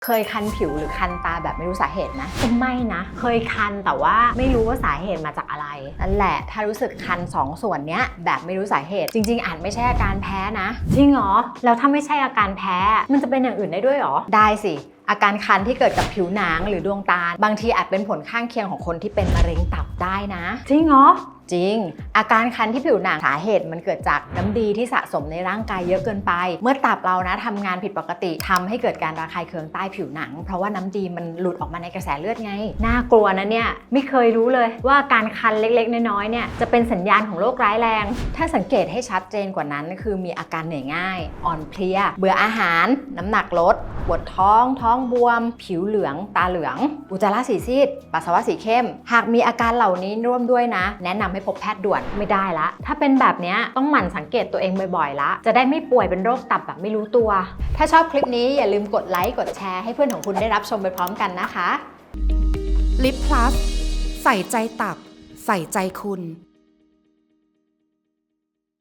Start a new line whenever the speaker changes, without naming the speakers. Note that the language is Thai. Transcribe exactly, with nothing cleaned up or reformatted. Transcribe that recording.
เคยคันผิวหรือคันตาแบบไม่รู้สาเหตุนะก็ไม่นะเคยคันแต่ว่าไม่รู้ว่าสาเหตุมาจากอะไรนั่นแหละถ้ารู้สึกคันสองส่วนเนี้ยแบบไม่รู้สาเหตุจริงๆอาจไม่ใช่อาการแพ้นะจริงเหรอแล้วถ้าไม่ใช่อาการแพ้มันจะเป็นอย่างอื่นได้ด้วยเหรอได้สิอาการคันที่เกิดกับผิวหนังหรือดวงตาบางทีอาจเป็นผลข้างเคียงของคนที่เป็นมะเร็งตับได้นะจริงเหรอจริงอาการคันที่ผิวหนังสาเหตุมันเกิดจากน้ำดีที่สะสมในร่างกายเยอะเกินไปเมื่อตับเรานะทำงานผิดปกติทำให้เกิดการระคายเคืองใต้ผิวหนังเพราะว่าน้ำดีมันหลุดออกมาในกระแสเลือดไงน่ากลัวนะเนี่ยไม่เคยรู้เลยว่าการคันเล็กๆน้อยๆเนี่ยจะเป็นสัญญาณของโรคร้ายแรงถ้าสังเกตให้ชัดเจนกว่านั้นคือมีอาการเหนื่อยง่ายอ่อนเพลียเบื่ออาหารน้ำหนักลดปวดท้องท้องบวมผิวเหลืองตาเหลืองอุจจาระสีซีดปัสสาวะสีเข้มหากมีอาการเหล่านี้ร่วมด้วยนะแนะนำให้พบแพทย์ด่วนไม่ได้ละถ้าเป็นแบบนี้ต้องหมั่นสังเกตตัวเองบ่อยๆละจะได้ไม่ป่วยเป็นโรคตับแบบไม่รู้ตัวถ้าชอบคลิปนี้อย่าลืมกดไลค์กดแชร์ให้เพื่อนของคุณได้รับชมไปพร้อมกันนะคะ
ลิปพลัสใส่ใจตับใส่ใจคุณ